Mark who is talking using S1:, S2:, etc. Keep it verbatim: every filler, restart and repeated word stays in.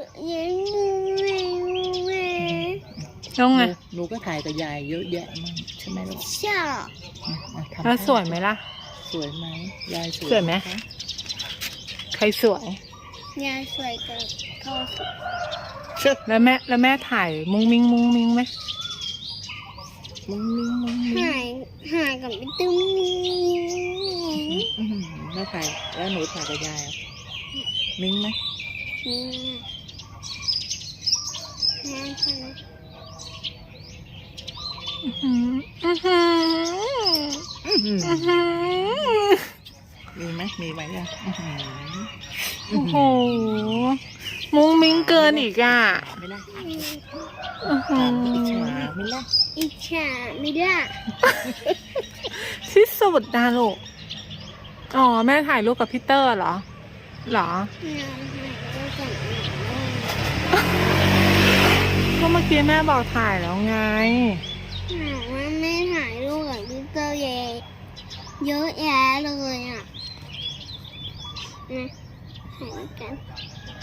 S1: แล้วไง
S2: หนูก็ถ่ายกับยายเยอะแยะมากใช่ไหมลูก
S3: ใช่
S1: แล้วสวยไหมล่ะ
S2: สวยไหมยายสวย
S1: สวยไหมใครสวย
S3: ยายสวยกับเขาสวย
S1: แล้วแม่แล้วแม่ถ่ายมุ้งมิ้งมุ้งมิ้งไหม
S2: มุ้งมิ้งมุ้งมิ้ง
S3: หายหายกับพี่ตุ้ม
S2: แล้วถ่ายแล้วหนูถ่ายกับยายมิ้งไหม
S3: นี่แม่ใช่ไหม
S2: มีไหมมีไหมเนี่ย
S1: โอ้โหมุ้งมิ้งเกินอีกอ่ะ
S2: ไม่ได้
S1: อิ
S2: จฉาไม่ได้
S3: อิจฉาไม่ได้
S1: ที่สุดนะลูกอ๋อแม่ถ่ายรูปกับพี่เตอร์เหรอเหรอก็เมื่อกี้แม่บอกถ่ายแล้วไง
S3: ว่าแม่ถ่ายรูปกับพี่เตอร์เยเยอะแยะเลยอ่ะนะถ่ายกัน